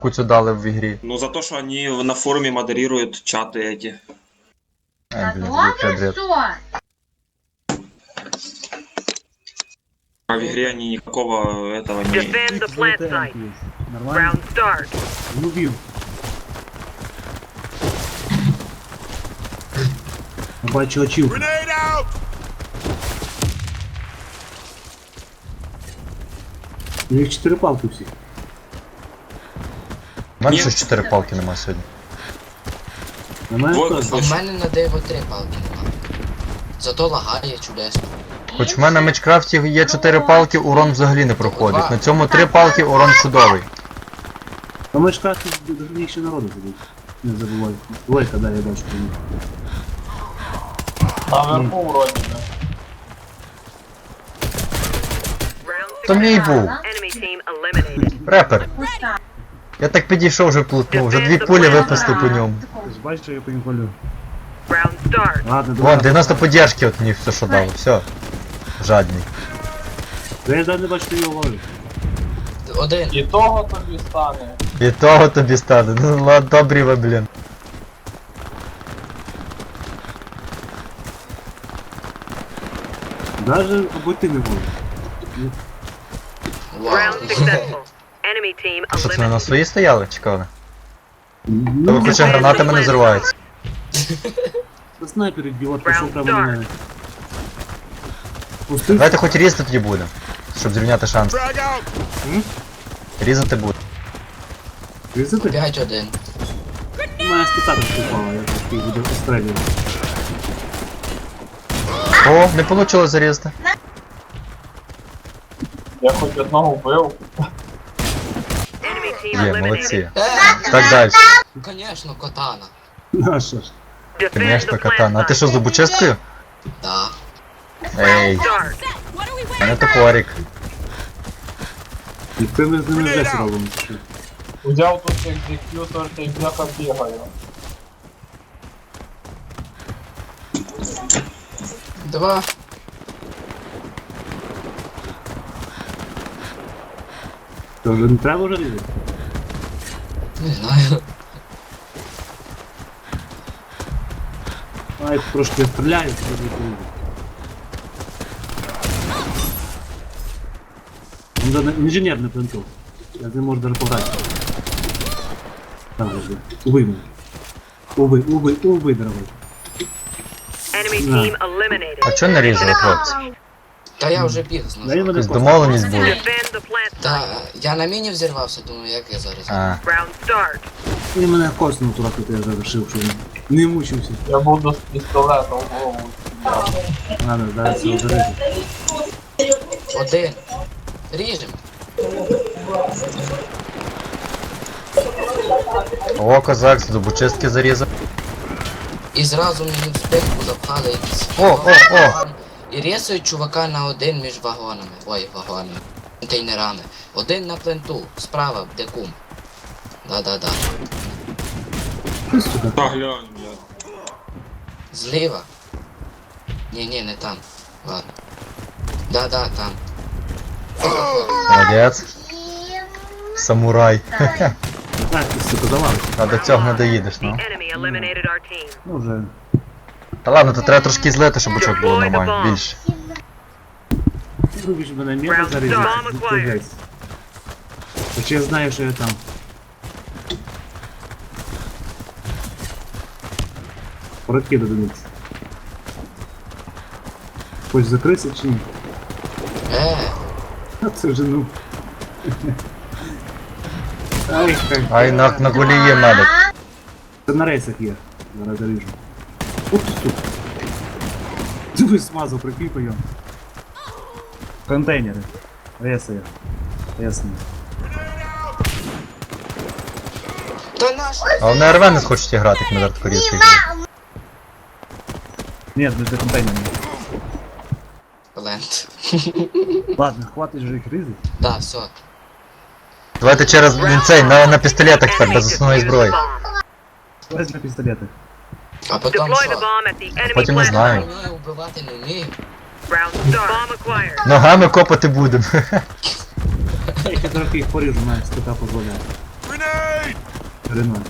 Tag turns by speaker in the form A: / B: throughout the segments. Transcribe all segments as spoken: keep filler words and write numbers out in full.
A: куцю дали в ігрі.
B: Ну за то, что они на форуме модерируют чаты эти.
A: Ай, блін, звук бред.
B: А в игре они никакого этого не...
C: Defend the plant site.
D: Нормально?
C: Round start.
D: Убил. Бачу очівку. У них чотири палки всі.
A: У мене
B: Ні.
A: щось чотири палки нема сьогодні.
D: На мене
B: Двойку
D: теж.
E: А в
B: слышу.
E: мене на диво три палки нема. Зато лагає чудесно.
A: Хоч в мене в Мечкрафті є чотири палки, урон взагалі не проходить. На цьому три палки, урон чудовий.
D: А ми ж кажуть, їх ще народу сидить. Не забувай. Лойка, да, я бачу.
F: Наверху вроді би.
C: Round
A: То мій був.
C: enemy team eliminated.
A: Репер. Я так підійшов, вже плутнув, вже дві пулі випустив по ньому.
D: Ти ж бачиш, що я по ним палю.
C: Round start.
D: Ладно,
A: Вон,
D: давай.
A: дев'яносто поддержки от мені все, що дало, все. Жадний.
D: Да я навіть не бачу, що його ловлю.
E: Один.
F: І того тобі стане.
A: І того тобі стане. Ну ладно, добрі ви, блін.
D: Даже обойти не можу.
E: Вау.
C: Round successful. Enemy team
A: А що це, на
C: eliminated.
A: свої стояли? Чекали? То
D: Ну,
A: ви хоча гранатами не взриваються.
D: на снайпер ідіот пішов
C: Round
D: прямо на мене. Пустив?
A: Давайте хоч різати тоді буде, щоб зрівняти шанс.
D: М?
A: Різати буде.
D: Різати?
E: П'ять один.
D: У мене спитати впала, я трошки буду пострелювати.
A: О, не вийшло зарізати.
F: Я хоч одного вбив.
C: Enemy team
A: Є,
C: eliminated.
A: молодці.
E: Е,
A: Так далі.
E: ну конечно, котана.
D: Ну, а що ж?
C: Defend
A: Звісно,
C: the plant
A: катана. А ти що,
C: site.
A: зубочисткою?
E: Да.
A: Ей,
C: Start.
A: в мене топорик.
D: І ти ми з ними вже сразу.
F: Взяв тут екзекютор та й бляха бігаю.
E: Два.
D: То вже не треба вже різати?
E: Не знаю.
D: А, як трошки стріляють, то вже різати. Він же інженер не плентов. Я з ним можу даже пограти. Там вже. Убий мене. Убий, убий, убий, дорогой.
C: Enemy
D: Да.
C: team eliminated.
A: А чого не різали, хлопці?
E: Та я вже біг з
D: Дай
E: ножом.
D: мене
A: Якась
D: просто.
A: домовленість була.
C: Defend the plant
E: Та
C: site.
E: я на міні взірвався, думаю, як я зараз.
A: А,
C: Round start.
D: Він мене коснув туди, тут я завершив, що він не мучився.
F: Я буду з пістолета в голову стріляти.
D: Ладно, зараз його зарити.
E: Один. Ріжем.
A: о, козак, з зубочистки зарізав.
E: І зразу мені в спинку запхали якісь.
A: О, о, о.
E: І рісують чувака на один між вагонами. Ой, вагонами. Контейнерами. Один на пленту. Справа, де кум. Да-да-да.
D: Ти, сука.
B: Да, глянь, блядь.
E: Зліва. Ні-ні, не там. Ладно. Да-да, там.
A: Молодець. Самурай.
D: Так, ти, сука, завалився.
A: А до цього не доїдеш,
C: The
A: ну.
C: enemy eliminated our team.
D: Ну вже.
A: Та ладно, то треба трошки злити, щоб очок було нормально. Більше.
D: Любиш мене м'яко зарізати. Відповідайся. Хоча я знаю, що я там. Прокиду дивіться. Хочеш закритися чи ні?
E: Е,
D: А це вже ну. Ай, хай.
A: Ай, на, на гулі є медик.
D: Це на рейсах є. Зараз заріжу. От ти сука. Ти би смазав, прикріпи його. Контейнери. Рейси. Ясно.
E: та наш.
A: А вони ар ве не хочуть грати, як на вертикорізких.
D: Ні, не за контейнерами.
E: Плент.
D: Ладно, хватить же їх різати.
E: Да, все.
A: Давайте через він цей, на, на пістолетах тепер,
C: Enemy
A: без основної
C: defused the
A: зброї.
C: bomb.
D: Возьми пістолети.
E: А потім
C: Deploy the
E: що?
C: bomb at the enemy
A: Потім не
C: plant.
A: знаю.
E: Вмію вбивати, не вмію.
C: Round start. Bomb acquired.
A: Ногами копати будемо.
D: Я трохи їх поріжу, навіть скота дозволяє. Рено.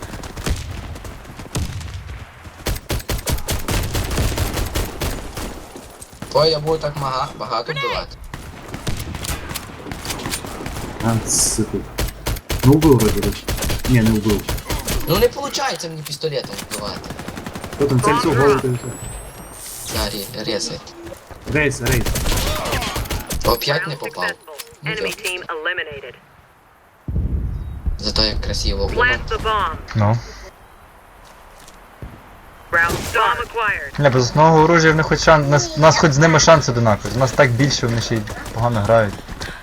E: Ой, я буду так мага, багато вбивати.
D: А, сука. Ну убив вроді речі. Ні, не убив.
E: Ну не виходить мені пістолетом вбивати.
D: Хто там цельцю в голову дивиться?
E: Да, ре- резай.
D: Рейс, рейс.
E: Оп'ять не
C: Round
E: попав.
C: successful. Enemy team eliminated.
E: Зато як красиво було.
C: Plant the bomb.
A: Ну.
C: Round bomb acquired.
A: Ні, без основного оружия в них хоч шанс. Нас, нас хоч з ними шанси однакові. З нас так більше, вони ще й погано грають.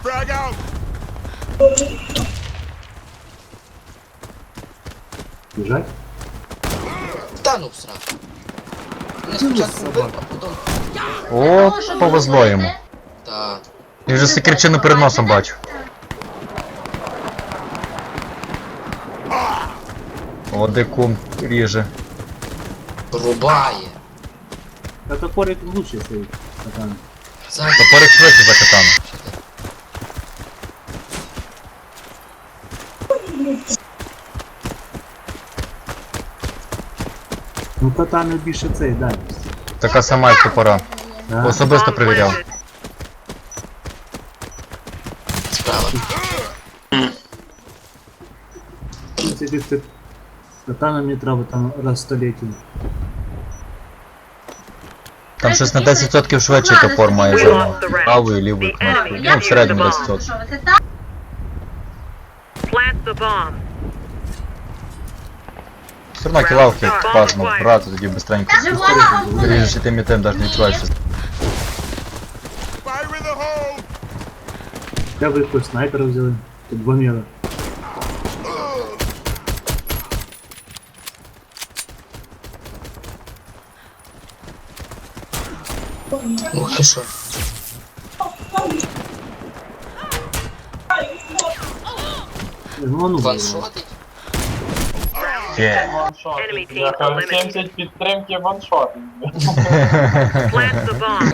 D: Біжать?
E: Та ну всрати. Не спочатку вбив, а потім...
A: О, повезло йому.
E: Та...
A: Я вже секірчину перед носом бачу. О, де кум ріже.
E: Рубає.
D: Та топорик лучше стоїть. Катан.
E: Ззаді.
A: Топорик швидше за катану.
D: Ну катана більше цей, да.
A: Така сама, як топора.
D: Да.
A: Особисто
C: Bomb
A: перевіряв.
C: planted.
E: Справа.
D: Це десь ти... Катана мені треба там раз в століття.
A: Там щось на десять відсотків швидший топор має за правою і лівою кнопкою. Ну, в середньому десять відсотків.
C: Plant the bomb.
A: Все одно кілавки важно брати, тоді бистренько. Ріжеш і тим і тим, навіть не відчуваєш. що-
D: Я ви якогось снайпера взяли. Тут два міра.
E: Ух ти що.
D: Ну, а ну,
E: Ваншотить?
A: Є.
F: Ваншот.
C: Enemy team
F: Я кажу,
C: eliminated.
F: сімдесят підтримки ваншот.
C: Plant the bomb.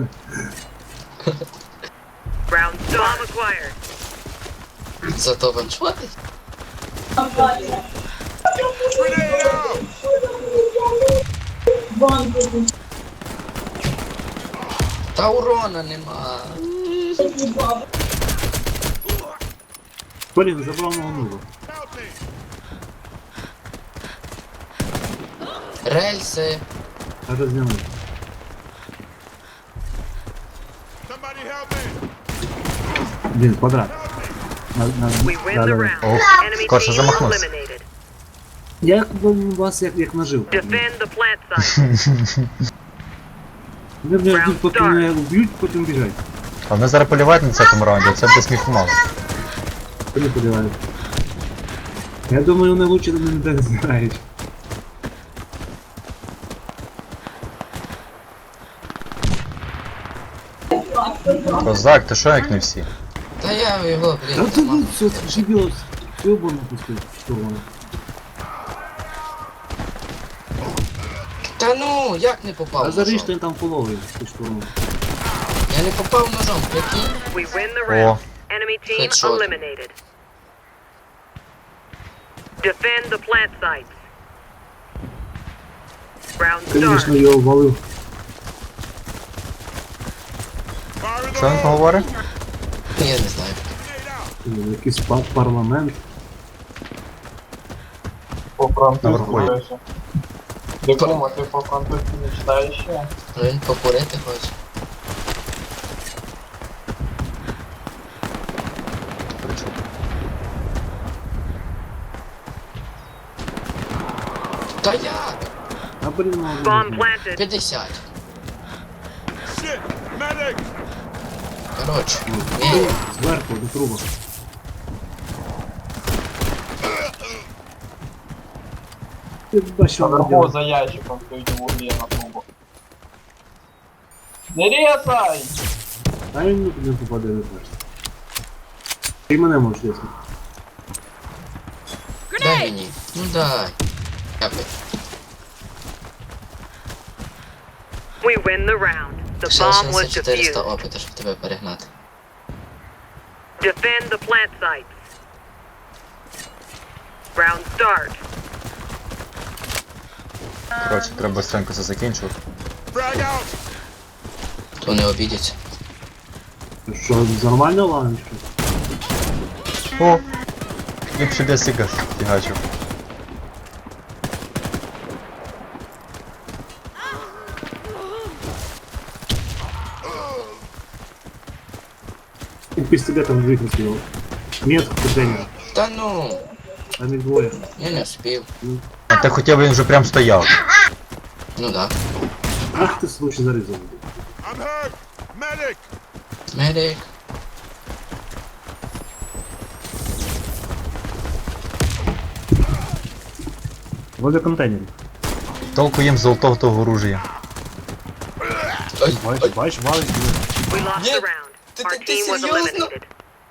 C: Round bomb acquired.
E: Зато ваншотить? Та урона нема.
D: Блін, забрав мого нубу.
E: Рельси.
D: А розняли. Блін, квадрат. На, на,
C: We win
D: да,
C: the
D: да, да.
C: round.
A: Ох,
C: Enemy
A: скорше
C: team
A: замахнувся.
C: eliminated.
D: Я як би вас як, як нажив.
C: Defend the plant site.
D: Вони мене ждуть, поки мене вб'ють, потім біжать.
A: А вони зараз полівають на цьому раунді, а це буде сміху мало.
D: Вони подівають. Я думаю, вони лучше до мене не знають.
A: Козак, ти що як не всі?
E: Та я його,
D: Та
E: блін,
D: ти
E: нема.
D: ну, все, шибіло, все оборно пустив, що воно.
E: Та ну, як не попав
D: А заріж
E: ножом?
D: ти там половий, ти штурму.
E: Я не попав ножом, прикинь.
C: We win the
A: О,
C: round. Enemy team
E: Headshot.
C: eliminated. Defend the plant sites. Round
D: Звісно,
C: start.
D: його валив.
A: що він поговорить?
E: Я не знаю.
D: Е, Якийсь пар- парламент.
F: По-французьки
A: Наверху є.
F: пише. Дикума, ти по-французьки не читаєш ще?
E: Ну, він покурити хоче. Та як?
D: А блін, мало.
C: Bomb planted.
E: п'ятдесят. Коротше, ні.
D: Зверху, до труба. Ти бачив,
F: Наверху за ящиком стоїть в углі на трубу. Не різай!
D: А він не попаде, не бачиш. Ти мене можеш різати.
E: Дай мені. Ну дай. Дякую.
C: We win the round. The
E: Ще
C: bomb was
E: лишилося чотириста
C: defused.
E: опиту, щоб тебе перегнати.
C: Defend the plant sites. Round start.
A: Коротше, треба быстренько це закінчувати.
E: То не обідяться.
D: Що, нормально ладно, що?
A: О! Ліпше десь сіга фігачив.
D: У пістолетом двигаться його. Нет, контейнера.
E: Та ну,
D: Там їх двоє.
E: я не вспів.
A: А ти хоча б він вже прям стояв.
E: Ну да.
D: Ах ти случай зарізав.
E: Медик.
D: Возле контейнерів.
A: Толку їм з золотого того оружия.
E: Ой,
D: Бачиш,
E: ой,
D: бачиш, валить.
C: We lost
E: Нет,
C: the round.
E: ты-
C: Our
E: ты- ты
C: team was
E: серьезно?
C: eliminated.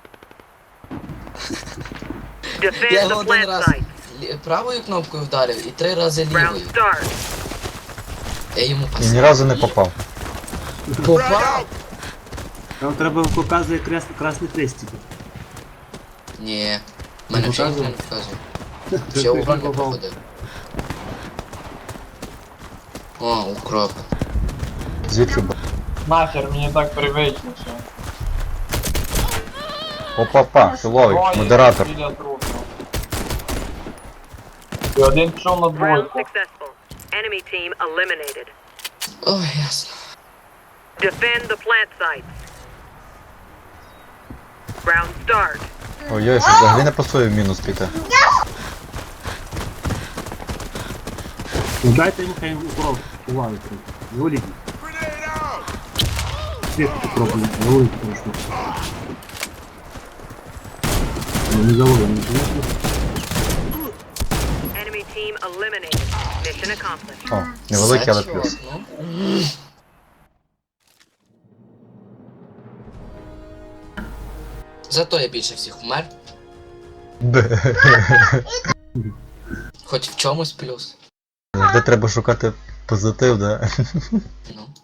C: Defend
E: я
C: the
E: його один
C: plant
E: раз
C: site.
E: лі- правою кнопкою вдарив і три рази
C: Round
E: лівою.
C: start.
E: Я йому
A: І ні разу не попав.
E: Попав?
D: Там треба показує крас... красний хрестик.
E: Ні. Мене вже ніхто не показує.
D: Ти
E: Ще урон не
D: попав.
E: проходив. О, укроп.
A: Звідки б?
F: Нахер, мені так привично все.
A: Опа-па, хіловий,
F: Троє
A: модератор.
F: біля трупу. І один пішов на
C: Round
F: двойку.
C: successful. Enemy team eliminated.
E: Ой, ясно.
C: Defend the plant sites. Round start.
A: Ой-ой, що взагалі не пасує в мінус піти.
D: Ну дайте йому хай укроп. Увагу трохи. Не уліть. Світ укроп, не уліть трошки. Ну, не заводимо, не звісно.
C: Enemy team eliminated. Mission accomplished.
A: О, невеликий, але
E: Все,
A: плюс.
E: ну. Зато я більше всіх вмер.
A: Бе.
E: Хоч в чомусь плюс.
A: Де треба шукати позитив, да?
E: Ну.